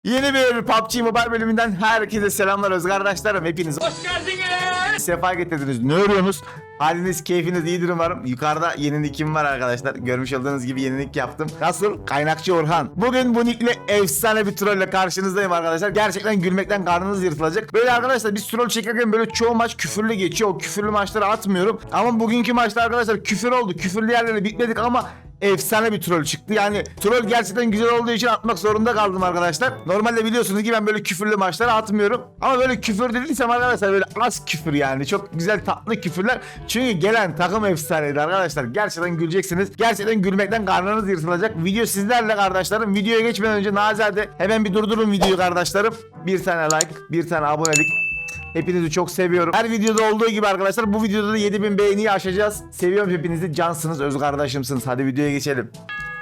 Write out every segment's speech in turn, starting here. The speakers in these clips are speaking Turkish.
Yeni bir PUBG Mobile bölümünden herkese selamlar öz kardeşlerim. Hepiniz hoş geldiniz. Sefa getirdiniz. Ne örüyorsunuz? Haliniz, keyfiniz iyidir umarım. Yukarıda yeni nickim var arkadaşlar. Görmüş olduğunuz gibi yeni nick yaptım. Nasıl? Kaynakçı Orhan. Bugün bu nickle efsane bir trolle karşınızdayım arkadaşlar. Gerçekten gülmekten karnınız yırtılacak. Böyle arkadaşlar biz troll çekerken böyle çoğu maç küfürlü geçiyor. O küfürlü maçları atmıyorum. Ama bugünkü maçta arkadaşlar küfür oldu. Küfürlü yerlere bitmedik ama efsane bir troll çıktı. Yani troll gerçekten güzel olduğu için atmak zorunda kaldım arkadaşlar. Normalde biliyorsunuz ki ben böyle küfürlü maçlara atmıyorum. Ama böyle küfür dediysem arkadaşlar böyle az küfür yani. Çok güzel tatlı küfürler. Çünkü gelen takım efsaneydi arkadaşlar. Gerçekten güleceksiniz. Gerçekten gülmekten karnınız yırtılacak. Video sizlerle kardeşlerim. Videoya geçmeden önce nazade hemen bir durdurun videoyu kardeşlerim. Bir tane like, bir tane abonelik. Hepinizi çok seviyorum. Her videoda olduğu gibi arkadaşlar bu videoda da 7000 beğeniyi aşacağız. Seviyorum hepinizi. Cansınız, öz kardeşimsiniz. Hadi videoya geçelim.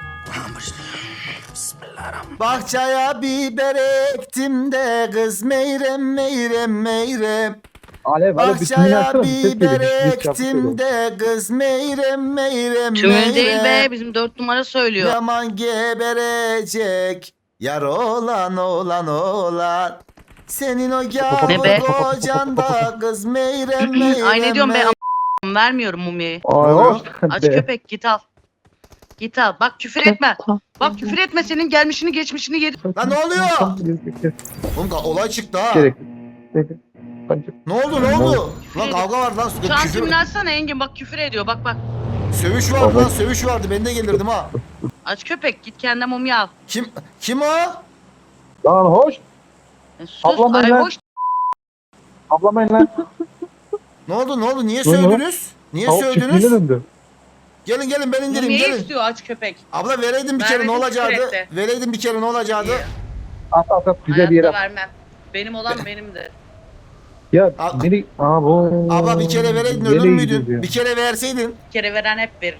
Bahçeye biber ektim de kız meyrem meyrem meyrem. Alev Bahçeye biber ektim de kız meyrem meyrem Tümün değil meyrem. be, bizim 4 numara söylüyor. Yaman geberecek. Yar olan olan olan. Senin o Ne be? gavur kocanda kız meyrem meyrem. Ay ne diyorum be, meyrem. vermiyorum mumyayı. Aa, Aç köpek, git al. Git al. Bak küfür etme. Bak küfür etme, senin gelmişini geçmişini yedi. Lan ne oluyor? Oğlum olay çıktı ha. Gerek. Ne oldu ne oldu? Lan kavga var lan. Şu an Küfür, timini açsana Engin, bak küfür ediyor, bak bak. sövüş vardı lan sövüş vardı. Ben de gelirdim ha. Aç köpek, git kendine mumya al. Kim o? Lan hoş. Sus, Ablam ay ben- hoş. Ablamayın lan. Ne oldu? Niye Ne oldu? sövdünüz? Niye Tavuk sövdünüz? çiftliğine döndü. Gelin ben indireyim Mumyayı gelin. istiyor aç köpek. Abla vereydin bir kere ne Vermedim, olacaktı? küfür etti. Vereydin bir kere ne olacaktı? At güzel bir yere. Hayatta vermem. Benim olan benimdir. Ya Al- beni... Aa bu. Abla bir kere vereydin ölür Nereye müydün? gidiyoruz ya? Bir kere verseydin. Bir kere veren hep verir.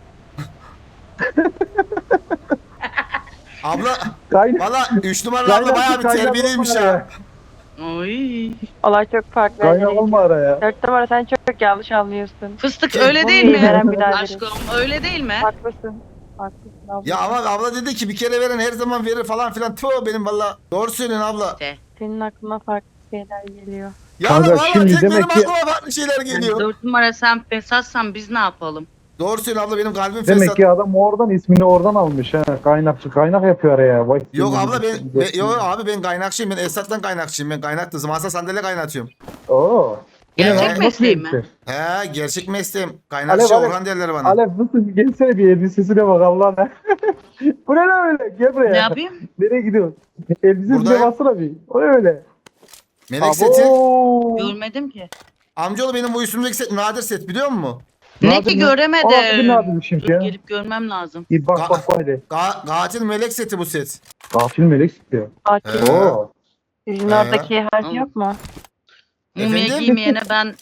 Abla Kaynak. valla 3 numaralı abla bayağı bir terbiyeliymiş ha. Oy. Olay çok farklı. Kaynak olma araya. 4 numara sen çok yanlış anlıyorsun. Fıstık öyle değil Mumyayı veren mi? biraderi. Aşkım öyle değil mi? Haklısın. Haklısın abla. Ya ama abla dedi ki bir kere veren her zaman verir falan filan. Tüh benim valla. Doğru söylüyorsun abla. İşte. Senin aklına farklı şeyler geliyor. Ya Kanka, valla şimdi tek benim demek ki- aklıma farklı şeyler geliyor. 4 numara sen fesatsan biz ne yapalım? Doğru söylüyorsun abla benim kalbim Demek fesat. ki adam oradan ismini oradan almış ha. Kaynakçı kaynak yapıyor araya. Vay. Yok abla yok abi ben kaynakçıyım. Ben Esat'tan kaynakçıyım. Ben kaynaktım. Masa sandalye kaynatıyorum. Oo. Gerçek Nasıl mesleği mi? elbise? He gerçek mesleğim. Kaynakçı Alev, Orhan derler bana. Alev nasıl gelsene bir elbisesine bak Allah'ına. Bu ne lan öyle? Gel buraya. Ne yapayım? Nereye gidiyorsun? Elbisesine Buradayım. baksana bir. O ne öyle? Melek seti. Abo. Görmedim ki. Amcaoğlu benim bu üstümdeki set nadir set biliyor musun? Ne Nadir ki mi? Aa, bir göremedim. nadirmişim Dur ya. gelip görmem lazım. Bir bak böyle. Katil melek seti bu set. Gafil melek istiyor. Akif, Oo. sizin He. oradaki harf Tamam. yok mu? Mumya Efendim? giymeyene ben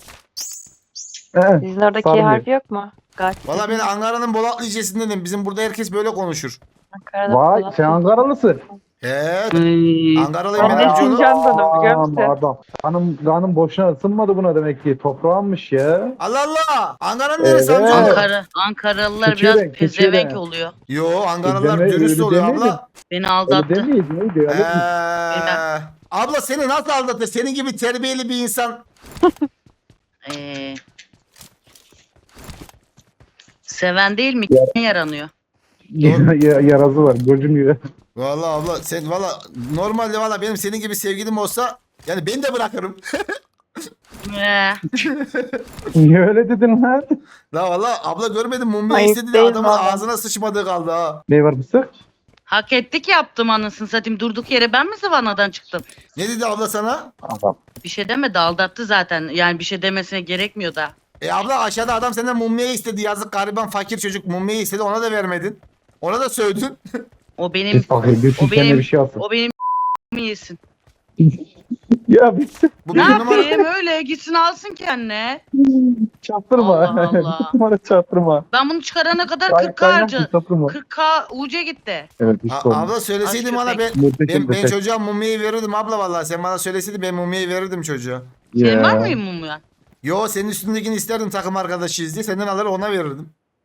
He. Sizin oradaki Sarmıyor. harf yok mu? Gayet. Valla ben Ankara'nın Bolatlı ilçesindenim. Bizim burada herkes böyle konuşur. Ankara'da Vay falan. sen Ankaralısın. He Ay, Ankaralıyım Ben ben de amcaoğlu. Sincan'danım biliyor musun? Adam. Kanım boşuna ısınmadı buna demek ki. Toprağınmış ya. Allah Allah. Ankara'nın neresi Evet. amcaoğlu? Ankaralılar Küçüğe biraz de, küçüğe pezevenk de. oluyor. Yo Ankaralılar Deme- dürüst öyle oluyor demeydin. abla. Beni Öyle aldattı. demeyiz neydi? Öyle mi? Abla seni nasıl aldatır? Senin gibi terbiyeli bir insan. Ee, seven değil mi? Yaranıyor. Yarazı var. Gözüm gibi. Valla abla sen valla normalde valla benim senin gibi sevgilim olsa yani ben de bırakırım. Ee, Niye öyle dedin lan? La valla abla görmedim mumya Ayıp istedi de değil adamın valla. ağzına sıçmadığı kaldı ha. Ne var mısın? hak ettik yaptım anasını satayım. Durduk yere ben mi zıvanadan çıktım? Ne dedi abla sana? Adam. Bir şey demedi, aldattı zaten. Yani bir şey demesine gerekmiyor da. Abla aşağıda adam senden mumya istedi yazık gariban fakir çocuk mumya istedi ona da vermedin. Ona da sövdün. O benim Bakayım götür o kendine benim- bir şey alsın. o benim yesin. Ya bir Bu Ne bir numara. yapayım öyle gitsin alsın kendine. çaktırma. Allah Allah. Numara çaktırma. Ben bunu çıkarana kadar Kay- 40k kaynak harca. çaktırma. 40k UC gitti. Evet işte olmuş. Abla söyleseydin Aç bana köpek. ben Muhteşem çocuğa mumyayı verirdim abla vallahi sen bana söyleseydin ben mumyayı verirdim çocuğa. Senin Ya. var mıyım mumya? Yo senin üstündekini isterdim takım arkadaşıyız diye senden alır ona verirdim.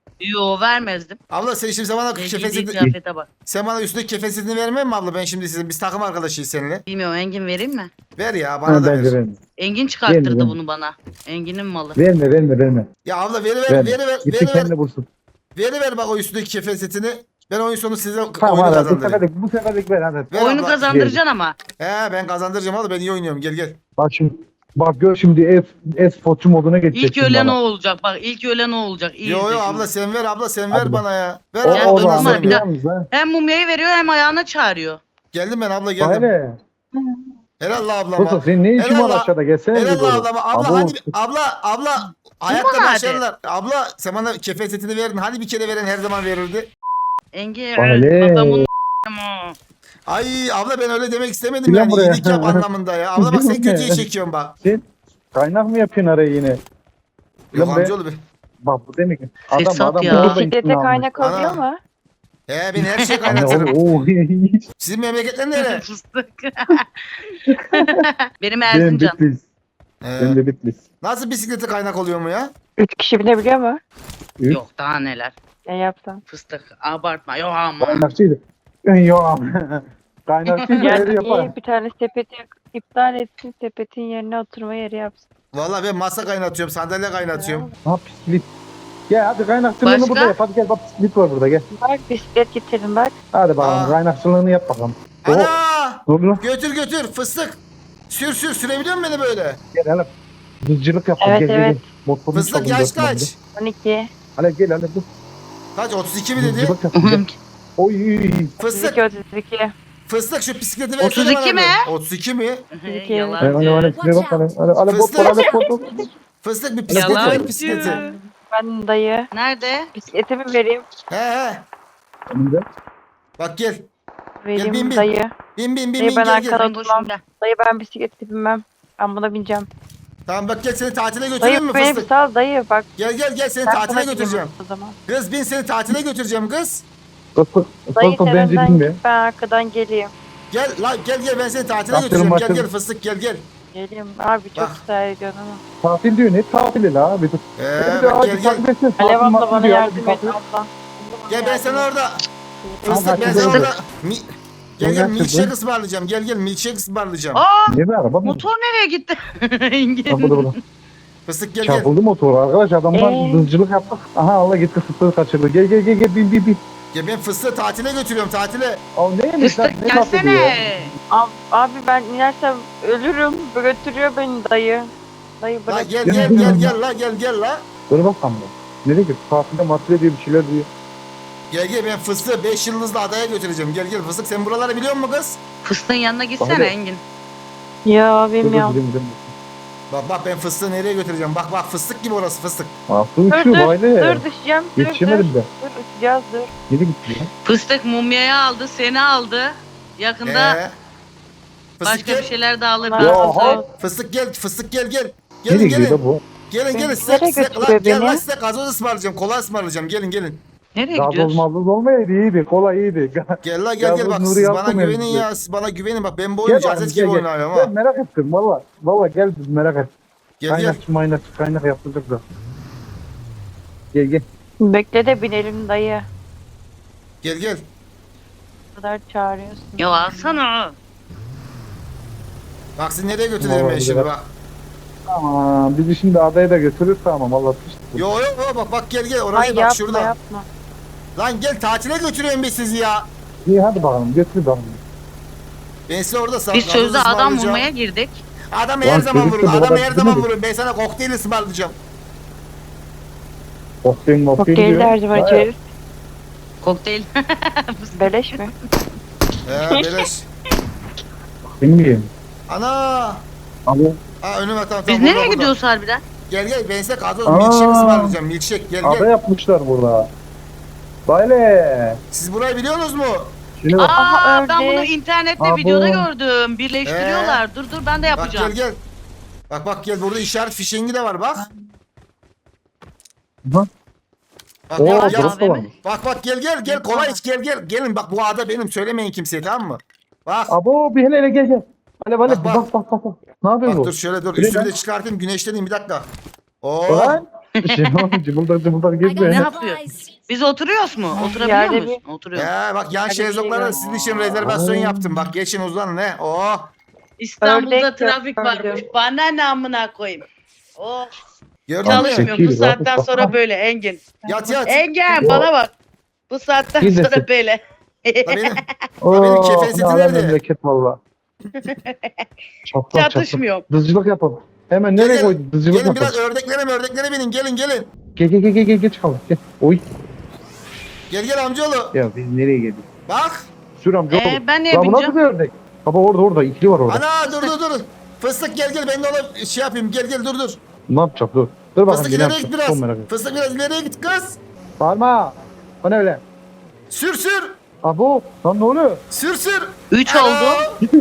Yo vermezdim. Abla sen şimdi bana Giydiği kefesini, kıyafete bak. sen bana üstündeki kefesini vermem mi abla? Ben şimdi sizin biz takım arkadaşıyız seninle. Bilmiyorum Engin vereyim mi? Ver ya bana da Bence ver. verme. Engin çıkarttırdı Verme. bunu bana. Engin'in malı. Verme. Ya abla veri ver, Verme. veri ver, Gitti veri ver. kendi bulsun. Veri ver bak o üstündeki kefesini. Ben oyun sonu size Tamam oyunu hadi kazandırayım. bu seferlik ver hadi. Ver Oyunu abla. kazandıracaksın ama. He ben kazandıracağım abla ben iyi oynuyorum gel gel. Bak şimdi. Bak gör şimdi e-sporcu moduna geçecek. İlk şimdi ölen o bana. olacak. Bak ilk ölen o olacak. İyi Yo izle yo şimdi. abla sen ver abla sen Hadi ver bak. bana ya. Ver O, abla Ya, ben o nasıl zaman zaman bir oynayayım? daha- yalnız ha. Hem mumyayı veriyor hem ayağına çağırıyor. Geldim ben abla geldim. Öyle. Helal la ablama. Kosa senin ne işin Helal var la- aşağıda gelsene. Helal bir la doğru. ablama. Abla Abo, hadi abla hayatta bana hadi? başarılar. Abla sen bana kefesetini verdin. Hani bir kere veren her zaman verirdi. Engin Vale. adamın Ay abla ben öyle demek istemedim Gel yani. buraya. İyilik yap anlamında ya. Abla bak sen Gel kötüye buraya. çekiyorsun bak. Sen kaynak mı yapıyorsun araya yine? Yok Lan be. amcaoğlu be. Bak bu demek ki. Fesat ya. burada Bisiklete ikna olmuş. kaynak Ana. oluyor mu? He ben her şeyi Anne, kaynatırım. oo. Sizin memleketler nere? fıstık. Benim Benim Erzincan. Bitlis. He. Benim de Bitlis. Nasıl bisiklete kaynak oluyor mu ya? 3 kişi binebiliyor mu? Yok daha neler. Ne yapsam? Fıstık. Abartma. Yok ama. Kaynakçıydı. Yok. Kaynakçıydı Yani öyle yapar. iyi bir tane sepeti iptal etsin, sepetin yerine oturma yeri yapsın. Vallahi ben masa kaynatıyorum, sandalye kaynatıyorum. Ha bisiklet. Gel hadi kaynakçılığını Başka? burada yap. Hadi gel bak bisiklet var burada gel. Bak bisiklet getirin bak. Hadi bakalım Aa. kaynakçılığını yap bakalım. Oh, Ana! dur lan. Götür fıstık. Sür sürebiliyor musun beni böyle? Gel hele. Hızcılık yap. Evet, gel, evet. Gel. Motorunu Fıstık çalın, yaş götürün kaç? 12. Hadi gel hadi dur. Kaç? 32 mi dedi? Hızcılık yap. Gel. Oy. Fıstık, 32, 32. fıstık şu bisikleti versene 32 bana mi? bir. 32 mi? Hadi hadi Yalancı. hadi. Şuraya bak hadi. Hadi bot var hadi bot. Fıstık bir bisikleti ver Yalancı. bisikleti. Ben dayı. Nerede? Bisikletimi vereyim. He. Önünde. Bak gel. Vereyim bin. dayı. Bin Dayı bin ben gel arkada gel. Sen boşunda. Dayı ben bisiklete binmem. Ben buna bineceğim. Tamam bak gel seni tatile Dayı götüreyim mi beni bir fıstık? sal dayı bak. Gel seni Ben tatile sana götüreceğim. bineyim o zaman. Kız bin seni tatile götüreceğim kız. Dayı Fıstık bence sen binme. git ben arkadan geleyim. Gel ben seni tatile Yaptırım götüreceğim. Gel yaptırım. fıstık gel. Geleyim. Abi çok Bak. ısrar ediyorsun ama. Tatil diyor ne tatili la bir dur. Bak gel. Alev abla bana yardım et abla. Gel ben sana orada. Tamam, Fıstık ben hadi sana gidelim. orada. Gel Gel, milkshake gel. ısmarlayacağım. Gel milkshake ısmarlayacağım. Aa, Ne bir araba mı? motor nereye gitti? Engin. Bak burada. Fıstık gel. Çarpıldı motor arkadaş adamlar hızcılık yaptık. Aha Allah gitti fıstığı kaçırdı. Gel bin. Ya ben fıstığı tatile götürüyorum tatile. Aa neymiş lan? Fıstık Ne tatili ya? gelsene. Abi ben inersem ölürüm. Götürüyor beni dayı. Dayı La bırak. gel la. Dur bakalım. Nereye gitti? Tatilde matile diye bir şeyler diyor. Gel ben fıstığı 5 yıldızlı adaya götüreceğim. Gel fıstık sen buraları biliyor musun kız? Fıstığın yanına gitsene Hadi. Engin. Ya Dur bilmiyorum. gidelim. Bak ben fıstığı nereye götüreceğim? Bak fıstık gibi orası fıstık. Aa su Dur uçuyor baylı. dur düşeceğim. Dur Yetişemedim de. uçacağız dur. Geri gitti ya. Fıstık mumyayı aldı, seni aldı. Yakında Fıstık başka bir gel. şeyler de alır. Ya, ben ha. sana. Fıstık gel. Nereye Gelin gidiyor da bu? Gelin Beni size nereye götürüyor gel beni? lan size gazoz ısmarlayacağım. Kola ısmarlayacağım. Gelin. Nereye Gazoz gidiyorsun? mazloz olmayaydı iyiydi. Kola iyiydi. Gel Gazoz bak Nuri siz bana yaptım güvenin elbise. ya. Siz bana güvenin bak ben bu oyunu Gel cazet gibi oynuyorum Gel ha. merak ettim valla. Valla gel biz merak ettim. Gel. Kaynak yaptırdık da. Gel. Bekle de binelim dayı. Gel. Bu kadar çağırıyorsun. Ya alsana. Bak sizi nereye götüreyim ben Vallahi şimdi bak. bak. Tamam bizi şimdi adaya da götürür tamam Allah tutsun. Yo bak gel oraya Ay bak yapma şurada. yapma. Lan gel tatile götürüyorum ben sizi ya. İyi hadi bakalım götür bakalım. Ben size orada Biz gazoz sözde adam ısmarlayacağım. vurmaya girdik. Adam Lan her zaman çocuk vurun. da bu Adam kadar her zaman değil mi? vurun. Ben sana kokteyl ısmarlayacağım. Kokteyl Kokteyl de her zaman Vay, içeriz. Kokteyl. Beleş mi? Beleş. Bilmiyorum. Ana. Ama Önüme tamam. Biz burada, nereye burada. gidiyoruz harbiden? Gel ben size gazoz Aa. milkshake ısmarlayacağım. Milkshake ada gel. yapmışlar burada. Böyle. Siz burayı biliyorsunuz mu? Şimdi bak. Aa Aha, ben öyle. bunu internette Abo. videoda gördüm. Birleştiriyorlar. Dur ben de Bak yapacağım. gel. Bak gel burada işaret fişengi de var bak. Hı. Bak Oo gel, Abi, gel. burası da var. Bak gel kolay iç gel. Gelin bak bu ada benim söylemeyin kimseye tamam mı? Bak. Abo bir hele gel. Hadi Bak. bak. Ne yapıyor Bak bu? dur şöyle dur Öyle üstümü lan. de çıkartayım güneşleneyim bir dakika. Oo. Lan Cıbıldak I got gitme. Ne Ne yapıyor? supplies. Biz oturuyoruz mu? Oturabiliyor Yani muyuz? Oturuyoruz. Bak yan Hadi bir şezlonglara şey sizin için rezervasyon yaptım. Bak geçin uzanın ne? Oh. İstanbul'da Ördek trafik gördüm. varmış. Bana ne amına koyayım. Oh. Gördün mü? Çalışmıyorum. Bu saatten sonra böyle Engin. Yat yat. Engin bana bak. Bu saatten Gidin. sonra böyle. La benim. benim kefen seti nerede? Memleket valla. Çatlak. Çatışmıyorum. Dızcılık yapalım. Hemen nereye Gel, koydun? Dızcılık Gelin yapalım. biraz ördeklere binin. Gelin. Gel çıkalım. Gel. Oy. Gel amcaoğlu. Ya biz nereye geldik? Bak. Sür amca oğlum. Ben neye Ya bu nasıl bineceğim? bir ördek? Baba orada ikili var orada. Ana dur. Fıstık gel ben de ona şey yapayım. Gel dur. Ne yapacak dur. Dur bakalım. Fıstık ne ileriye yapacak? git biraz. Çok merak ediyorum. Fıstık biraz ileriye git kız. Bağırma. O ne öyle? Sür. Abo. Lan ne oluyor? Sür. 3 Ana. oldu.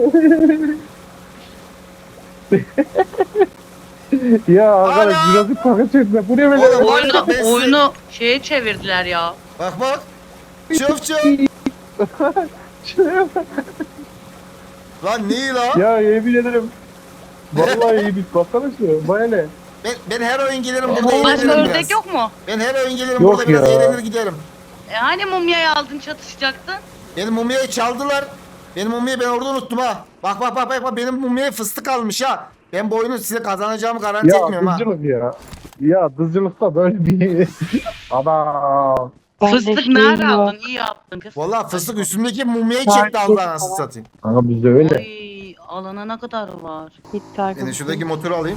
Ya arkadaş Ana! Jurassic Park'a çekme. Bu ne böyle? Oğlum, Oyunu, ben size- oyunu şeye çevirdiler ya. Bak. Çöp. Lan ne iyi la? Ya yemin ederim. Vallahi iyi bir baksana şu. Baya ne? Ben her oyun gelirim burada Başka eğlenirim ördek biraz. yok mu? Ben her oyun gelirim Yok burada biraz ya. eğlenir giderim. Hani mumyayı aldın çatışacaktın? Benim mumyayı çaldılar. Benim mumyayı ben orada unuttum ha. Bak benim mumyaya fıstık almış ha. Ben bu oyunu size kazanacağımı garanti Ya etmiyorum ha. dızcılık ya. Ya dızcılıkta böyle bir adam. Fıstık nerede aldın? İyi yaptın kız. Vallahi fıstık üstümdeki mumyayı çekti aldı anasını satayım. Kanka bizde öyle. Oy, alana ne kadar var? Ben de şuradaki motoru alayım.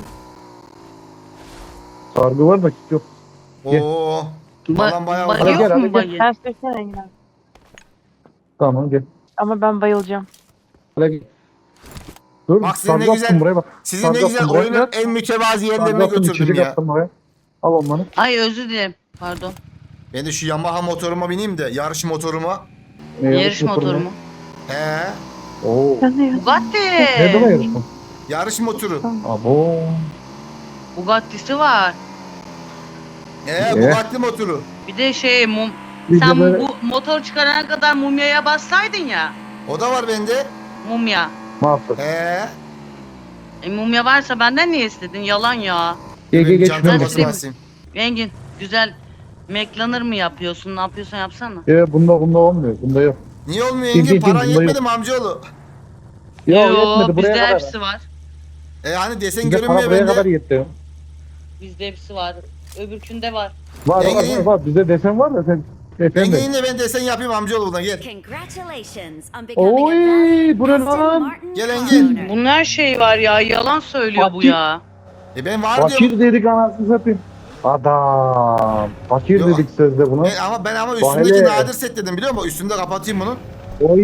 Sargı var da yok. Gel. Oo. Falan bayağı Bayı Hadi var. gel, yok hadi mu gel. bayı? Sen sürsene Engin abi. Tamam gel. Ama ben bayılacağım. Hadi gel. Dur Bak sizin ne sargı güzel- attım buraya bak. Sizin ne Sargı güzel attım buraya. oyunun en mütevazi Sargı yerlerine attım, götürdüm içecek ya. attım buraya. Al onları. Ay özür dilerim. Pardon. Ben de şu Yamaha motoruma bineyim de yarış motoruma. Yarış motoru mu? He. Oo. Sen ne yapıyorsun? Nerede Bugatti. var yarışma? Yarış motoru. Abo. Bugatti'si var. Bugatti motoru. Bir de şey Biz de sen böyle bu motor çıkarana kadar mumyaya bassaydın ya. O da var bende. Mumya. mahsus. Mumya varsa benden niye istedin? Yalan ya. Gel Benim şuna çantama Ben bak. sileyim. basayım. Engin güzel McLanner mı yapıyorsun? Ne yapıyorsan yapsana. Bunda olmuyor. Bunda yok. Niye olmuyor Kim, yenge? kim, Paran kim? yetmedi mi amcaoğlu? Ya Yo, yetmedi bizde buraya kadar. hepsi var. Hani desen Bizde para görünmüyor buraya kadar bende. yetti. Bizde hepsi var. Öbürkünde var. Var Yenge- var. Bizde desen var da sen. Yenge Efendim. yine ben desen yapayım amcaoğlu buradan gel. Congratulations on becoming a Oy valued bu ne Aston lan? Martin Gel Engin. owner. Bunun her şeyi var ya. Yalan söylüyor bu Fakir. ya. Ben var diyorum. Fakir dedik anasını satayım. Adam. Fakir Yok. dedik sözde buna. Ben ama üstündeki Vay be. nadir set dedim biliyor musun? Üstünde kapatayım bunu. Oy.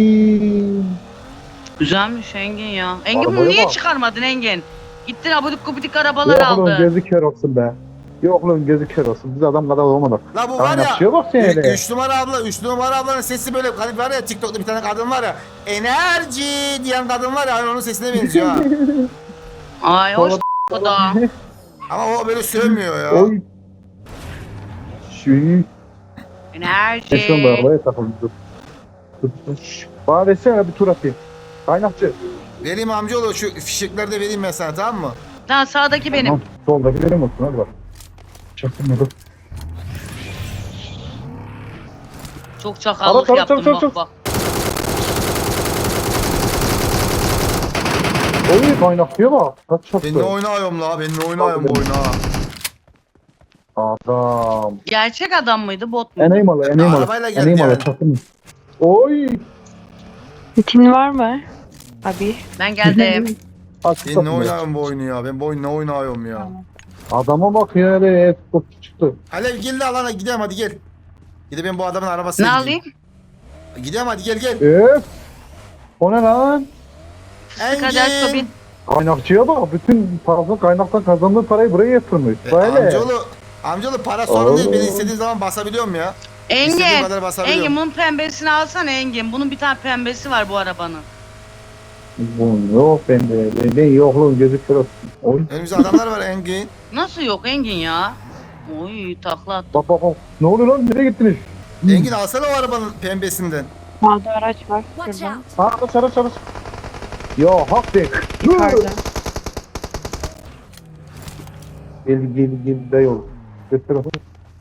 Güzelmiş Engin ya. Engin bunu Arabaya niye bak. çıkarmadın Engin? Gittin abudik gubidik arabalar Yok lan aldın. gözü kör olsun be. Yok lan gözü kör olsun. Biz adam kadar olmadık. La bu var ya. Kaynakçıya bak sen hele. 3 numara abla, 3 numara ablanın sesi böyle hani var ya TikTok'ta bir tane kadın var ya. Enerji diyen kadın var ya hani onun sesine benziyor ha. Ay hoş o da. Ama o böyle sövmüyor ya. Oy. Şu. Enerji. Eşon da arabaya takıldı. Dur. Bana desene bir tur atayım. Kaynakçı. Vereyim amcaoğlu şu fişekleri de vereyim ben sana tamam mı? Lan sağdaki benim. Tamam. Soldaki benim olsun hadi bak. Çaktım dur. Çok çakallık Çabuk, yaptım çabuk, bak çabuk. bak. Oy kaynakçıya bak. Kaç çaktı. Ben ne oynuyorum la? Ben ne oynuyorum bu oyunu ha? Adam. Gerçek adam mıydı bot mu? Eney malı. Arabayla geldi Eney malı yani. çaktım. Oy. Bitin var mı? Abi. Ben geldim. Ben ne oynuyorum bu oyunu ya? Ben bu oyunu ne oynuyorum ya? Adama bak ya öyle futbolcu çıktı. Alev gel de alana gidelim hadi gel. Gidip ben bu adamın arabasına Ne gideyim. alayım? Gidelim hadi gel. Öf. O ne lan? Hadi aç bin. Kaynakçıya bak. Bütün parasını kaynaktan kazandığı parayı buraya yatırmış. Böyle. Amcaoğlu para sorun değil. Oo. Beni istediğin zaman basabiliyorum ya. İstediğim Engin. kadar basabiliyorum. Engin bunun pembesini alsana Engin. Bunun bir tane pembesi var bu arabanın. Bu yok bende. Bende yokluğun gözü kör olsun. Oy. Önümüzde adamlar var Engin. Nasıl yok Engin ya? Oy takla at. Bak. Ne oluyor lan? Nereye gittiniz? Engin alsana o arabanın pembesinden. Sağda araç var. Watch Şuradan. out. Ha çarı. Ya hak de. Yukarıda. Gel dayı ol. Göster onu.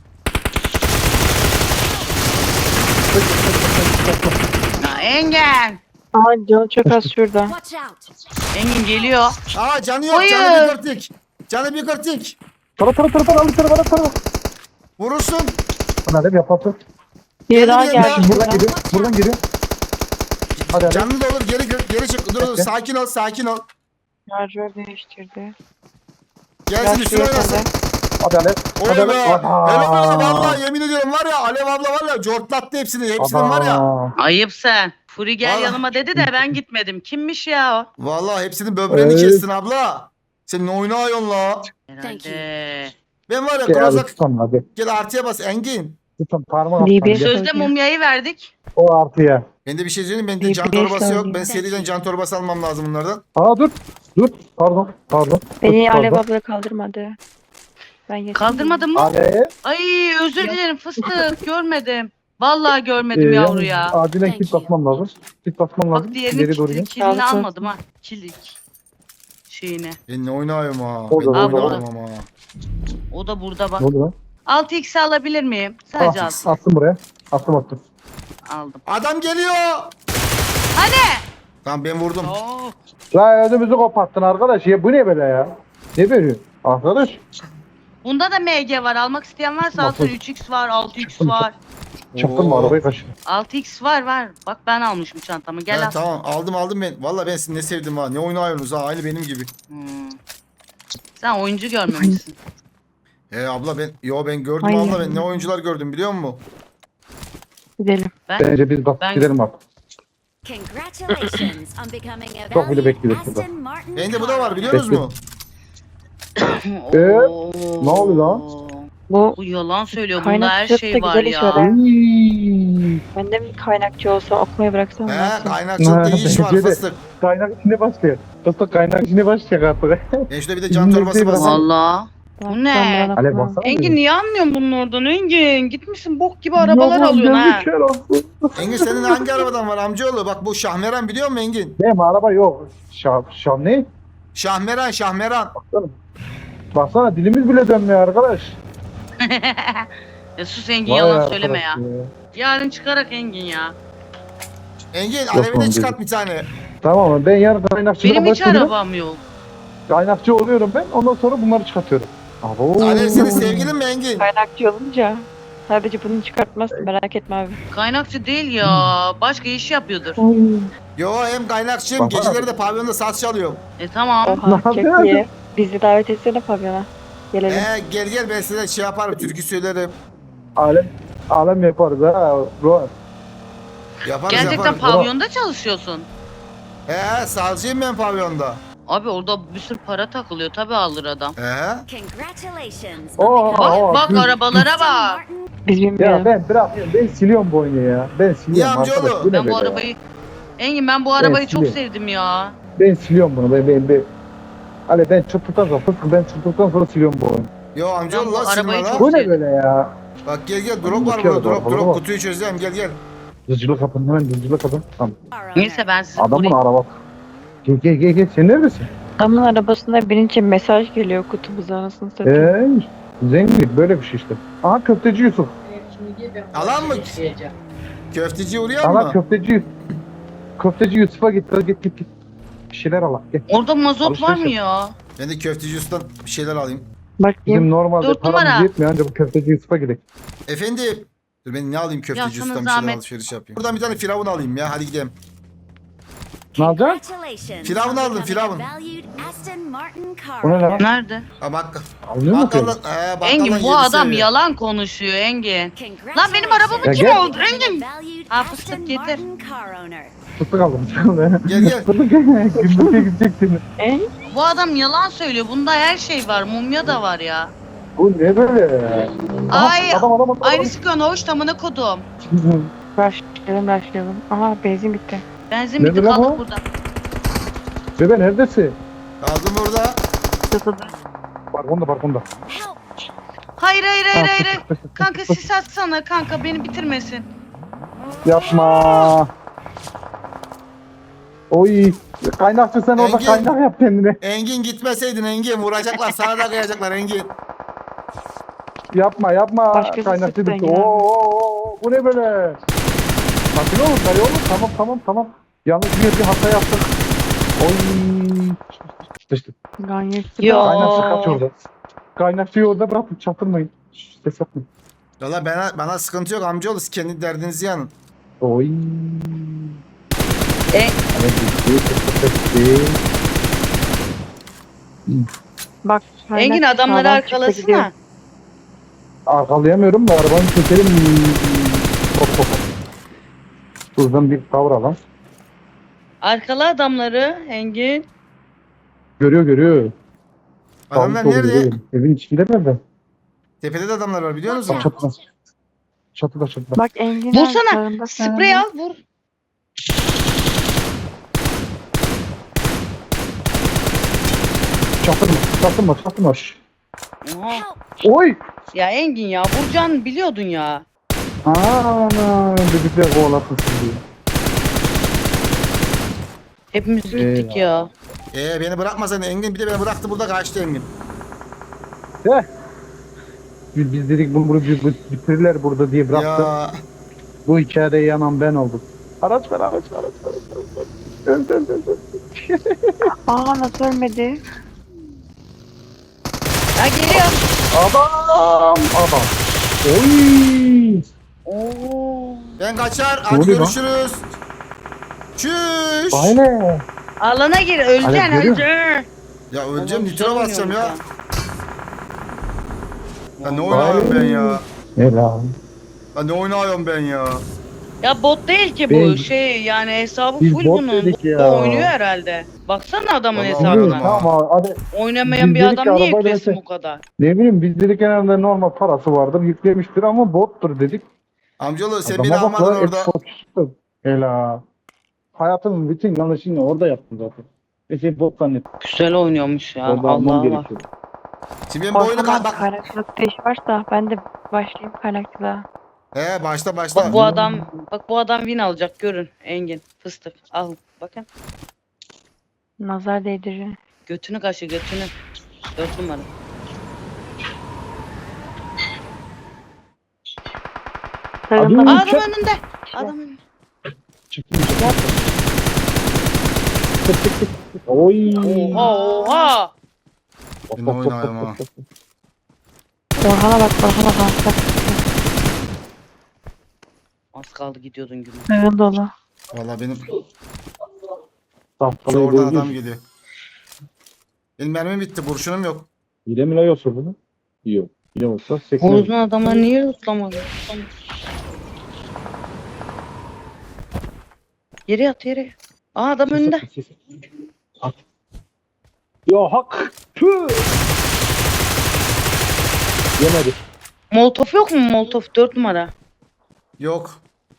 Ya Engin. Aa canı çok az şurada. Watch out. Engin geliyor. Aa canı yok. Hayır. Canı bir kırtık. Canı bir kırtık. Tara al tara. Vurursun. Bana ne yapalım? Biri daha Geliyor geldi. ya. Buradan geliyor. Buradan geliyor. Hadi. Canlı da olur. Geri çık. Dur Bekle. sakin ol. Şarjör değiştirdi. Gelsin üstüne Yaşlı oynasın. yakaladı. Hadi Alev. Oy Hadi be. Alev. Helal be vallahi yemin ediyorum var ya Alev abla var ya cortlattı hepsini. Hepsinin var ya. Ayıp sen. Furi gel Vallahi. yanıma dedi de ben gitmedim. Kimmiş ya o? Vallahi hepsinin böbreğini Evet. kestin abla. Sen ne oynuyorsun la? Thank you. Herhalde. Ben var ya Gel hadi Krozak tutalım hadi. gel artıya bas Engin. Tutalım parmağı Libi. attan gel. Sözde mumyayı verdik. O artıya. Ben de bir şey söyleyeyim. Bende Bir can beş torbası yok. saniye. Ben seriden can torbası almam lazım bunlardan. Aa dur. Pardon. Beni Pardon. Alev abla kaldırmadı. Ben yetim Kaldırmadın mı? Alev. Ay özür dilerim fıstık. Görmedim. Vallahi görmedim yavru yalnız ya. Acilen Thank kit you. basmam lazım. Kit basmam lazım. Bak diğerinin İleri doğru gel. kilini Sağlık olsun. almadım ha. Kilik şeyini. Ben ne oynuyorum ha. Orada, Ben ne orada. oynuyorum ama. O da burada bak. Ne oldu lan? 6x alabilir miyim? Sadece Ah, alsın. attım buraya. Attım. Aldım. Adam geliyor. Hani? Tamam ben vurdum. Oo. La ödümüzü koparttın arkadaş. Ya bu ne böyle ya? Ne veriyor? Arkadaş. Bunda da MG var. Almak isteyen varsa alsın. Bakın. 3x var, 6x Çıktım. var. Çaktın mı Oo. arabayı kaçır. 6x var. Bak ben almışım çantamı. Gel Ha, al. tamam aldım ben. Vallahi ben sizi ne sevdim ha. Ne oynuyorsunuz ha aynı benim gibi. Hmm. Sen oyuncu görmemişsin. Abla ben gördüm Aynen. abla ben ne oyuncular gördüm biliyor musun? Gidelim. Bence biz basıp Ben- gidelim artık. Congratulations on becoming a Çok bile valued bekliyoruz burada. Aston Martin Bende bu da var car biliyor Bekle. musunuz? Oo. ne oluyor lan? Bu Bu yalan söylüyor. Bunda her kaynakçılıkta şey var güzel iş ya. var. Iiii. Ben de mi kaynakçı olsam okumayı bıraksam mı? He kaynakçılıkta iyi iş var Bence de. fıstık. Kaynak içine başlıyor. Fıstık kaynak içine başlayacak artık. Ben şurada bir de can torbası basayım. Valla. Bu ne? Alev baksana. Engin niye anlıyorsun bunun oradan Engin? Gitmişsin bok gibi arabalar alıyorsun ha. Engin senin hangi arabadan var amcaoğlu? Bak bu Şahmeran biliyor musun Engin? Benim araba yok. Şam ne? Şahmeran. Baksana dilimiz bile dönmüyor arkadaş. Ya sus Engin Vay yalan arkadaş söyleme ya. Yarın çıkarak Engin ya. Engin lan alevine dedim. çıkart bir tane. Tamam ben yarın kaynakçılığa Benim hiç başlıyorum. arabam yok. Kaynakçı oluyorum ben. Ondan sonra bunları çıkartıyorum. Abo. Alev senin sevgilin mi Engin? Kaynakçı olunca sadece bunu çıkartmazsın merak etme abi. Kaynakçı değil ya. Başka iş yapıyordur. Yo hem kaynakçıyım. Baba. Geceleri de pavyonda saz çalıyorum. Tamam. Oha Ne çok yapıyorsun? iyi. Bizi davet etsene pavyona. Gelelim. Gel ben size şey yaparım. Türkü söylerim. Alem yaparız ha. Bro. Yaparız Gerçekten yaparız. pavyonda çalışıyorsun. Sazcıyım ben pavyonda. Abi orada bir sürü para takılıyor. Tabii alır adam. Congratulations Oo, on becoming oo. Bak düz. arabalara Aston bak. Martin. Biz Ya bilmiyorum. ben bırakıyorum. Ben siliyorum bu oyunu ya. Ben siliyorum Niye amcaoğlu? arkadaş. Bu ne Ben bu böyle ya? arabayı... Engin ben bu arabayı çok siliyorum. sevdim ya. Ben siliyorum bunu. Ben. Ali ben çıktıktan sonra ben çıktıktan sonra siliyorum bu oyunu. Yo amcaoğlu Ben bu la silme arabayı la. çok- Bu ne böyle ya? Bak gel drop var Bir kere burada daha, drop bak. kutuyu çözeceğim gel. Hızcılık kapın hemen hızcılık kapın. Tamam. Car owner. Neyse ben sizi Adamın buraya... arabası. Gel. Sen neredesin? Adamın arabasında birinci mesaj geliyor kutumuza anasını satayım. Zengin böyle bir şey işte. Aha köfteci Yusuf. Alan mı? Köfteci uğrayan Aha mı? köfteci Yusuf'a git. Git. Bir şeyler al. Gel. Orada mazot var mı Alışveriş ya? Ben de köfteci ustan bir şeyler alayım. Bakayım. Bizim normalde 4 paramız numara. yetmiyor ancak bu köfteci Yusuf'a gidelim. Efendim. Dur ben ne alayım köfteci Ya sana ustan bir şeyler zahmet. alışveriş yapayım. Buradan bir tane firavun alayım ya hadi gidelim. Ne alacaksın? Congratulations Firavun on aldım, becoming firavun. a valued Aston Martin car O ne lan? owner. Nerede? Ha bak. Alıyor mu ki? Bakkaldan Engin bu yedi adam seviye. yalan konuşuyor Engin. Congratulations Lan benim arabamı Ya kim gel. oldu on becoming Engin? a valued Ha, Aston fıstık getir. Martin car owner. Fıstık aldım. Gel. Fıstık gündüz'e gidecektin. Bu adam yalan söylüyor. Bunda her şey var. Mumya da var ya. Bu ne böyle ya? Ay, Adam. Aynı sıkıyorsun hoş tamına kodum. Başlayalım. Aha benzin bitti. Benzin Ne bitti diyor kaldık bu? burada. Bebe neredesin? Kaldım burada. Sıfırda. Balkonda. Help! Hayır. Kanka sis atsana kanka beni bitirmesin. Yapma. Oy. Kaynakçı sen orada Engin. kaynak yap kendine. Engin gitmeseydin Engin vuracaklar sana da kıyacaklar Engin. Yapma. Başkası Kaynaktı sıktı bitti. Engin abi. Oo, bu ne böyle? Sakin olun dayı oğlum. Tamam. Yalnız bir hata yaptık. Oy. Sıçtık. Gayet Yo. Kaynakçı kaç orada. Kaynakçıyı orada bırakın çatırmayın. Şşş, ses yapmayın. Valla bana sıkıntı yok amcaoğlu. Siz kendi derdinizi yanın. Oy. E- Hani gitti. Bak. Engin kaynak adamları sağdan çıktı gidiyor. arkalasana. Arkalayamıyorum da arabanı çekelim. Hop. Buradan bir kavra lan. Arkala adamları Engin. Görüyor. Adamlar Sağlı solu nerede? görüyor. Evin içinde nerede? Tepede de adamlar var biliyor musun? Çatıda. Bak Engin abi Vursana. sağında Sprey al vur. Çatırma. Şşş. Oha. Help! Oy. Ya Engin ya vuracağını biliyordun ya. Ana dedikler kovalasın sizi. Hepimiz gittik ya. Beni bırakmasan Engin bir de beni bıraktı burada kaçtı Engin. Biz dedik bunu bitirirler burada diye bıraktı. Ya Bu hikayede yanan ben oldum. Araç ver. Öl. Aa nasıl ölmedi? Ya geliyor. Adam. Oy. Oo. ben kaçar. Ne Hadi oluyor lan? görüşürüz. Çüş. Aynen. Alana gir öleceksin görüyor musun? öleceksin. Ya öleceğim Adam nitro güzel basacağım ya. oynuyormuş Ya ne oynuyorum ben ya? Helal. Ya ne oynuyorum ben ya? Ya bot değil ki bu Ben- şey yani hesabı Biz full bot bunun. dedik Bot ya. da oynuyor herhalde. Baksana adamın Vallahi hesabına. oynadım ha. Tamam hadi. Oynamayan Biz bir dedik adam ki niye arabayla yüklesin öte- bu kadar? Ne bileyim biz dedik genelde normal parası vardır yüklemiştir ama bottur dedik. Amcaoğlu sen beni Adama bak almadın lan, orada. Xbox çıktı. Helal. Hayatımın bütün yanlışını orada yaptım zaten. Şey bot zannettim. Güzel oynuyormuş ya. Orada almam Allah Allah. gerekiyor. Şimdi ben bu oyunu Korkmam bak. kaynakçılıkta iş varsa ben de başlayayım kaynakçılığa. Başla. Bak bu adam win alacak görün Engin. Fıstık. Al bakın. Nazar değdirir. Götünü kaşı götünü. 4 numara. Sağında Abi- Adam Çek. önünde. Adam önünde. Çıktı. Oy. Oha. Ben oynuyorum ha. Orhan'a bak. Bak. Az kaldı gidiyordun gibi. Sağın dolu. Valla benim Tahtalayı oradan boyuyor. adam geliyor. Benim mermim bitti. Kurşunum yok. Hile mi la yoksa bunu? Yok. Hile olsa 80. Horozun adamlar niye tutlamadı? Yere yat yere. Aa adam önünde. At. Ya hak. Tüh. Yemedi. Molotof yok mu molotof 4 numara? Yok.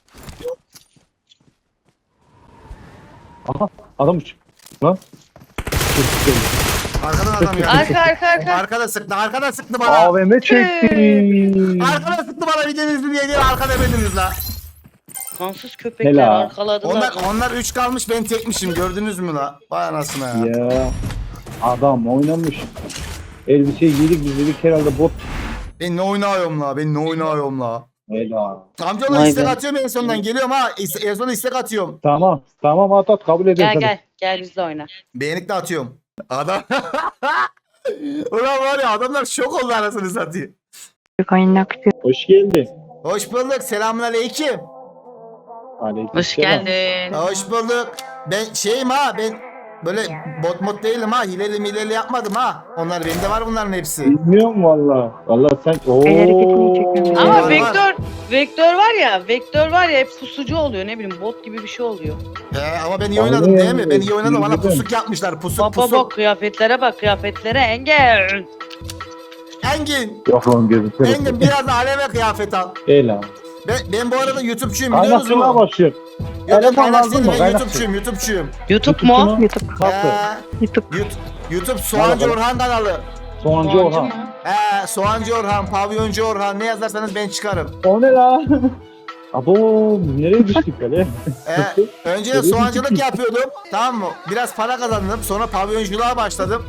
Aha adam uç. Lan. Arkadan adam geldi. Arka. Arkada sıktı bana. AVM çekti. Arkada sıktı bana bir deniz diye değil arkada bedeniz la. Kansız köpekler Helal. arkaladılar. Onlar 3 kalmış ben tekmişim gördünüz mü la? Vay anasına ya. Ya. Adam oynamış. Elbiseyi giydik biz dedik herhalde bot. Ben ne oynuyorum la? Helal. Amcaoğlu Vay istek be. atıyorum en sondan geliyorum ha. En son istek atıyorum. Tamam at kabul ediyorum. Gel bizle oyna. Beğenik de atıyorum. Adam. Ulan var ya adamlar şok oldu anasını satayım. Kaynakçı. Hoş geldin. Hoş bulduk. Selamünaleyküm. Hoş geldin. Hoş bulduk. Ben şeyim ha ben böyle bot mod değilim ha. Hileli yapmadım ha. Onlar bende var bunların hepsi. Bilmiyorum valla. Valla sen El hareketini çekmiyorum. Ama Var, vektör var ya hep pusucu oluyor ne bileyim bot gibi bir şey oluyor. Ama ben iyi oynadım değil mi? Ben iyi oynadım. Bana Bilmiyorum. pusuk yapmışlar. Bak kıyafetlere Engin. Engin. Yok lan gözüküyor. Engin biraz da aleme kıyafet al. Helal. Ben bu arada YouTube'çuyum biliyor musun? Kaynakçılığa başlıyor. Yok Eleman kaynak lazım değilim mı? ben Kaynak YouTube'çuyum. YouTube mu? YouTube. Nasıl? YouTube. YouTube Soğancı Merhaba. Orhan kanalı. Soğancı Orhan. mı? Soğancı Orhan, Pavyoncu Orhan ne yazarsanız ben çıkarım. O ne la? Abo nereye düştük böyle? Önce de soğancılık yapıyordum. Tamam mı? Biraz para kazandım. Sonra pavyonculuğa başladım.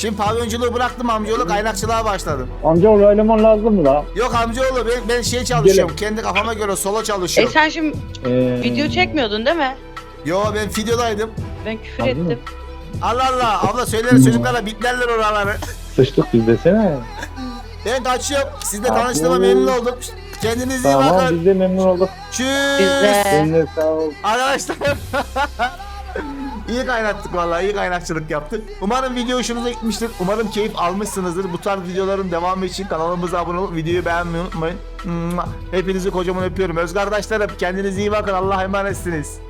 Şimdi pavyonculuğu bıraktım, amcaoğlu kaynakçılığa başladım. Amcaoğlu eleman lazım mı la? Yok amcaoğlu, ben şey çalışıyorum. Kendi kafama göre solo çalışıyorum. Sen şimdi video çekmiyordun değil mi? Yo, ben videodaydım. Ben küfür Anladın mı? ettim. Allah Allah, abla söyleriz çocuklara, bitlerler oraları. Sıçtık biz desene. Ben kaçıyorum. Sizle Abi. tanıştığıma memnun oldum. Kendinize iyi Tamam bakın. biz de memnun olduk. Tschüss. Biz de. Eline sağ ol. Arkadaşlar. İyi kaynattık vallahi, iyi kaynakçılık yaptık. Umarım video hoşunuza gitmiştir. Umarım keyif almışsınızdır. Bu tarz videoların devamı için kanalımıza abone olup videoyu beğenmeyi unutmayın. Hepinizi kocaman öpüyorum. Öz kardeşlerim, kendinize iyi bakın. Allah'a emanetsiniz.